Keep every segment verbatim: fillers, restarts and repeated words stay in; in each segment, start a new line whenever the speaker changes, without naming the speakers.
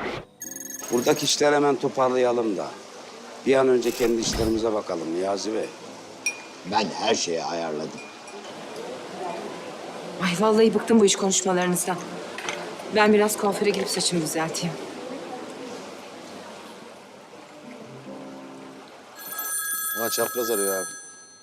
Buradaki işleri hemen toparlayalım da bir an önce kendi işlerimize bakalım Niyazi Bey.
Ben her şeyi ayarladım.
Ay vallahi bıktım bu iş konuşmalarınızdan. Ben biraz kuaföre gidip saçımı düzelteyim.
Ha, çapraz arıyor abi.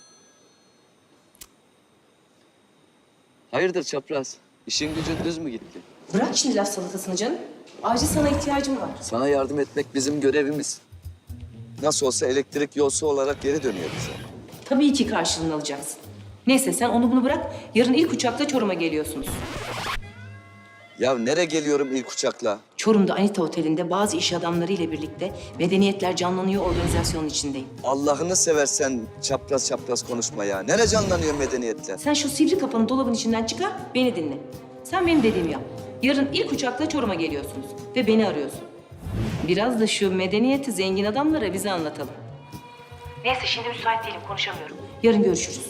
Hayırdır çapraz? İşin gücün düz mü gitti?
Bırak şimdi laf salatasını canım. Acil sana ihtiyacım var.
Sana yardım etmek bizim görevimiz. Nasıl olsa elektrik yolsu olarak geri dönüyor bize.
Tabii ki karşılığını alacaksın. Neyse sen onu bunu bırak. Yarın ilk uçakla Çorum'a geliyorsunuz.
Ya nereye geliyorum ilk uçakla?
Çorum'da Anita Oteli'nde bazı iş adamları ile birlikte Medeniyetler Canlanıyor organizasyonun içindeyim.
Allah'ını seversen çapraz çapraz konuşma ya. Nereye canlanıyor medeniyetler?
Sen şu sivri kafanı dolabın içinden çıkar, beni dinle. Sen benim dediğimi yap. Yarın ilk uçakla Çorum'a geliyorsunuz ve beni arıyorsun. Biraz da şu medeniyeti zengin adamlara bize anlatalım. Neyse şimdi müsait değilim, konuşamıyorum. Yarın görüşürüz.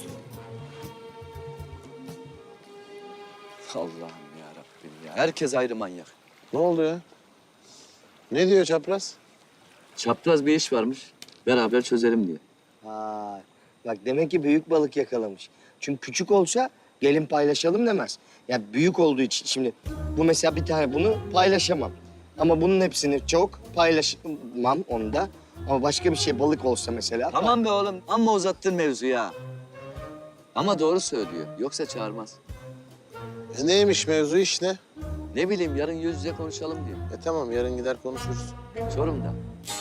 Allah'ım ya Rabbim ya. Herkes ayrı manyak.
Ne oldu ya? Ne diyor çapraz?
Çapraz bir iş varmış. Beraber çözelim diye.
Ha, bak demek ki büyük balık yakalamış. Çünkü küçük olsa gelin paylaşalım demez. Ya büyük olduğu için şimdi bu mesela bir tane bunu paylaşamam. Ama bunun hepsini çok paylaşmam onu da. Ama başka bir şey balık olsa mesela.
Tamam be oğlum. Amma uzattın mevzu ya. Ama doğru söylüyor. Yoksa çağırmaz.
E neymiş mevzu, iş ne?
Ne bileyim yarın yüz yüze konuşalım diyor.
E tamam, yarın gider konuşuruz.
Çorum'da.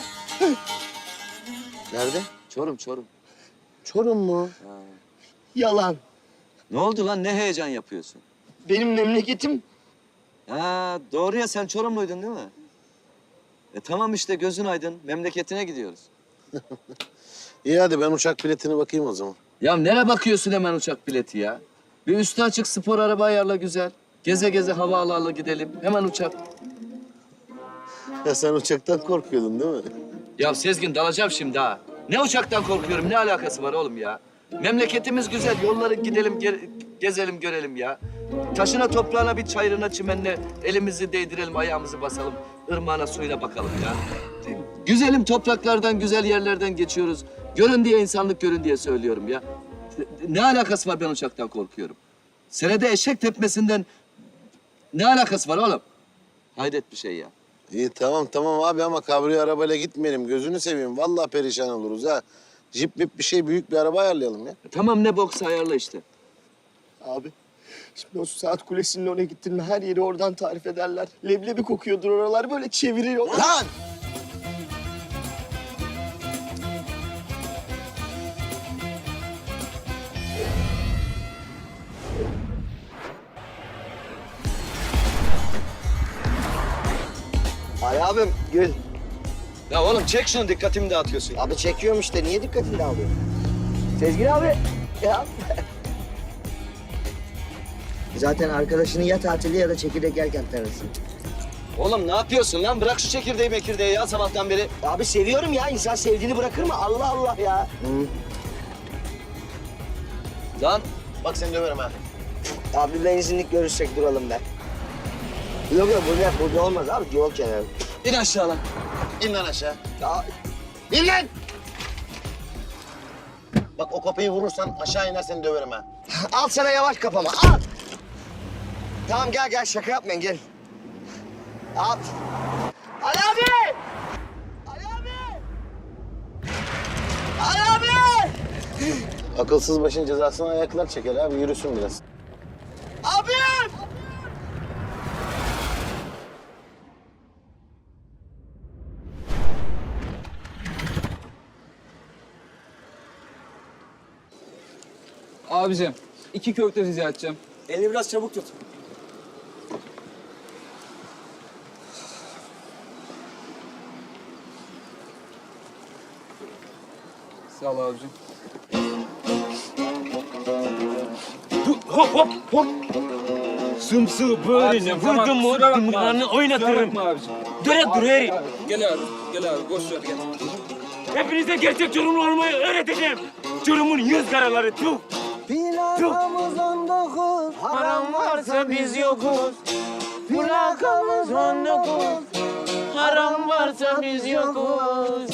Nerede?
Çorum, Çorum.
Çorum mu?
Yalan.
Ne oldu lan? Ne heyecan yapıyorsun?
Benim memleketim
Ha, doğru ya sen Çorumluydun değil mi? E tamam işte gözün aydın. Memleketine gidiyoruz.
İyi hadi ben uçak biletine bakayım o zaman.
Ya nereye bakıyorsun hemen uçak bileti ya? Bir üstü açık spor araba ayarla güzel. Geze geze hava ala ala gidelim. Hemen uçak.
Ya sen uçaktan korkuyordun değil mi?
Ya Sezgin dalacağım şimdi ha. Ne uçaktan korkuyorum? Ne alakası var oğlum ya? Memleketimiz güzel. Yolları gidelim, ge- gezelim, görelim ya. Taşına, toprağına, bir çayırına, çimenine elimizi değdirelim, ayağımızı basalım. Irmağına, suyuna bakalım ya. Güzelim topraklardan, güzel yerlerden geçiyoruz. Görün diye, insanlık görün diye söylüyorum ya. Ne alakası var ben uçaktan korkuyorum? Senede eşek tepmesinden ne alakası var oğlum? Hayret bir şey ya.
İyi tamam tamam abi ama kabriyo arabayla gitmeyelim. Gözünü seveyim. Vallahi perişan oluruz ha. Jip mip bir şey, büyük bir araba ayarlayalım ya.
Tamam ne boksa ayarla işte.
abi. Şimdi o saat kulesinin oraya gittin mi her yeri oradan tarif ederler. Leblebi kokuyordur oralar böyle çeviriyor.
Lan!
Ali abim gül.
Ya oğlum çek şunu, dikkatimi dağıtıyorsun.
Abi çekiyorum işte. Niye dikkatini dağılıyor? Sezgin abi. Ya. Zaten arkadaşını ya tatilde ya da çekirdek yerken tanırsın.
Oğlum ne yapıyorsun lan? Bırak şu çekirdeği mekirdeği ya sabahtan beri.
Abi seviyorum ya. İnsan sevdiğini bırakır mı? Allah Allah ya. Hı.
Lan
Bak seni döverim ha.
Abi benzinlik görüşecek duralım be. Yok yok burada, burada olmaz abi. Yol kenarı.
in aşağı lan.
İn lan aşağı.
Ya,
İn lan! Bak o kapıyı vurursan aşağı iner seni döverim ha.
al sana yavaş kafama. Al. Tamam gel gel şaka yapmayın gel. Al. Ali abi! Ali abi! Ali abi!
Akılsız başın cezasını ayaklar çeker abi. Yürüsün biraz.
Abim!
Abicim, iki köfte rica edeceğim.
Elini biraz çabuk tut.
Sağ ol abicim.
Hop hop hop. Sımsığı böyle
Abicim, tamam,
vurdum mu
kusura bakma
yumruğunu
abi.
oynatırım.
Kusura bakma abicim.
Döne dur heri.
Gel abi, gel abi. Boş ver gel.
Hepinize gerçek Çorumlu olmayı öğreteceğim. Çorumun yüz karaları tuh.
Plakamız on dokuz.
Param varsa biz yokuz. Plakamız on dokuz.
yoksa biz yokuz.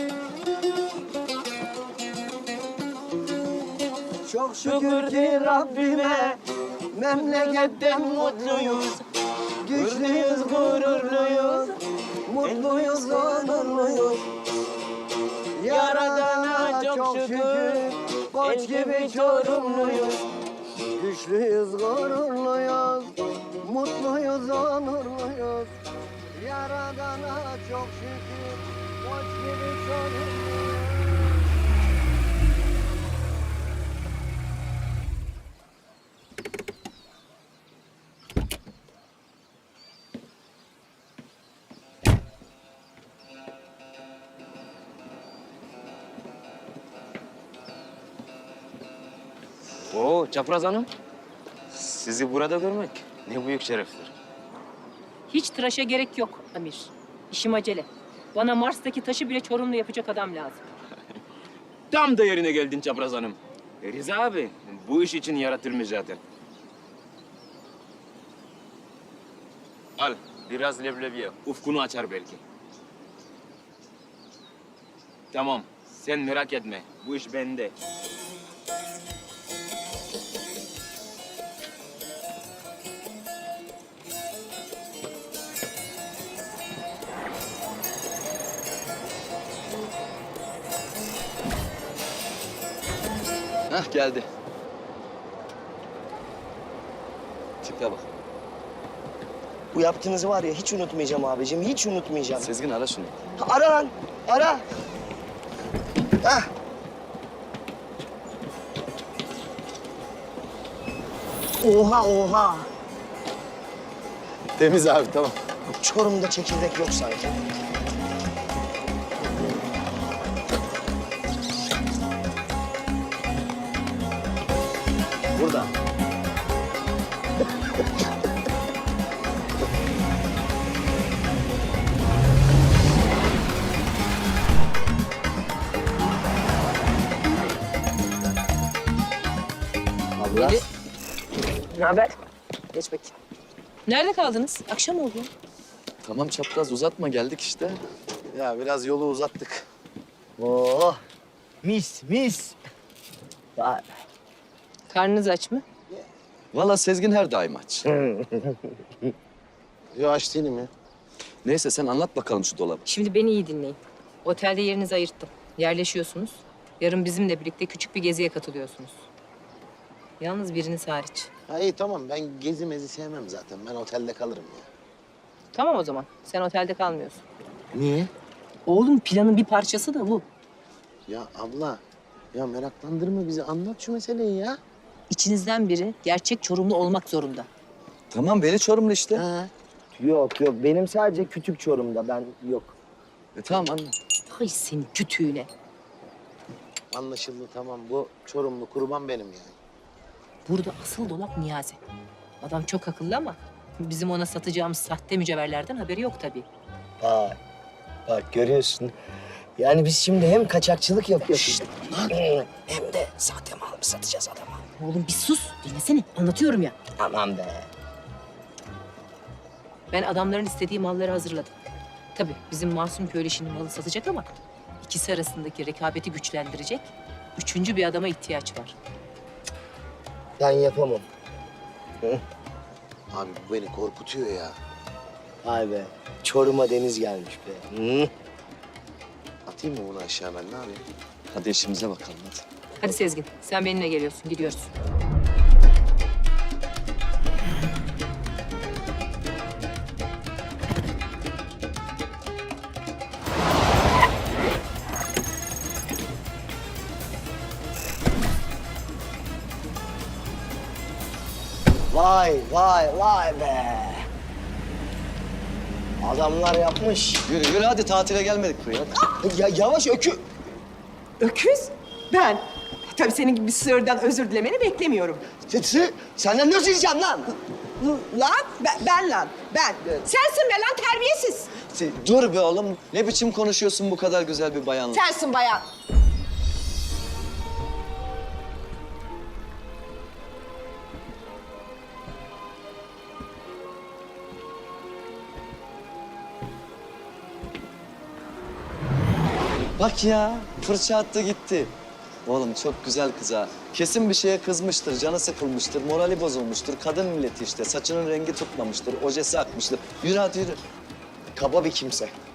Çok
Şükür ki Rabbime memleketten mutluyuz. Güçlüyüz, gururluyuz, mutluyuz, onurluyuz. Yaradana çok şükür, koç gibi Çorumluyuz.
Güçlüyüz, gururluyuz, mutluyuz, onurluyuz. Yaradana çok şükür, koç gibi Çorumluyuz.
Oo Çapraz Hanım. Sizi burada görmek ne büyük şereftir.
Hiç tıraşa gerek yok Amir. İşim acele. Bana Mars'taki taşı bile Çorum'da yapacak adam lazım.
Tam da yerine geldin Çapraz Hanım. E, Rıza abi bu iş için yaratılmış zaten. Al biraz leblebi ye. Ufkunu açar belki. Tamam sen merak etme. Bu iş bende.
Hah geldi. Tipe bak.
Bu yaptığınızı var ya hiç unutmayacağım abicim, hiç unutmayacağım.
Sezgin ara şunu.
Ha, ara lan, ara. Hah. Oha, oha.
Temiz abi tamam.
Çorum'da çekirdek yok sanki.
Burada.
Abla.
Ne haber? Geç bakayım. Nerede kaldınız? Akşam oldu.
Tamam çapraz uzatma geldik işte.
Ya biraz yolu uzattık.
Oh, mis, mis. Vay.
Karnınız aç mı?
Vallahi Sezgin her daim aç.
Yo aç değilim ya.
Neyse sen anlat bakalım şu dolabı.
Şimdi beni iyi dinleyin. Otelde yerinizi ayırttım. Yerleşiyorsunuz. Yarın bizimle birlikte küçük bir geziye katılıyorsunuz. Yalnız biriniz hariç.
Ha iyi tamam ben gezi mezi sevmem zaten. Ben otelde kalırım ya.
Tamam o zaman. Sen otelde kalmıyorsun.
Niye?
Oğlum planın bir parçası da bu.
Ya abla ya meraklandırma bizi anlat şu meseleyi ya.
İçinizden biri gerçek Çorumlu olmak zorunda.
Tamam beni Çorumlu işte.
Ha.
Yok yok, benim sadece kütük Çorum'da, ben yok.
E, tamam anlat.
Ay senin kütüğüne.
Anlaşıldı tamam bu Çorumlu kurban benim yani.
Burada asıl dolap Niyazi. Adam çok akıllı ama bizim ona satacağımız sahte mücevherlerden haberi yok tabii.
Bak, bak görüyorsun. Yani biz şimdi hem kaçakçılık yapıyoruz. Hem de sahte mal mı satacağız adama?
Oğlum bir sus. Dinlesene. Anlatıyorum ya.
Aman be.
Ben adamların istediği malları hazırladım. Tabii bizim Masum köylü şimdi malı satacak ama ikisi arasındaki rekabeti güçlendirecek üçüncü bir adama ihtiyaç var.
Ben yapamam.
Abi bu beni korkutuyor ya.
Vay be. Çorum'a deniz gelmiş be. Hı?
Atayım mı bunu aşağı ben ne yapayım?
Hadi işimize bakalım hadi.
Hadi Sezgin, sen benimle geliyorsun. Gidiyoruz.
Vay vay vay be. Adamlar yapmış.
Yürü yürü hadi tatile gelmedik buraya.
Ya yavaş ökü.
Öküz? Ben. Tabii senin gibi bir sığırdan özür dilemeni beklemiyorum.
Sesi senden ne diyeceğim lan?
Lan, ben, ben lan, ben. Sensin be lan terbiyesiz.
Dur be oğlum. Ne biçim konuşuyorsun bu kadar güzel bir bayanla?
Sensin bayan.
Bak ya, fırça attı gitti. Oğlum çok güzel kız ha. Kesin bir şeye kızmıştır, canı sıkılmıştır, morali bozulmuştur. Kadın milleti işte, saçının rengi tutmamıştır, ojesi akmıştır. Yürü hadi yürü.
Kaba bir kimse.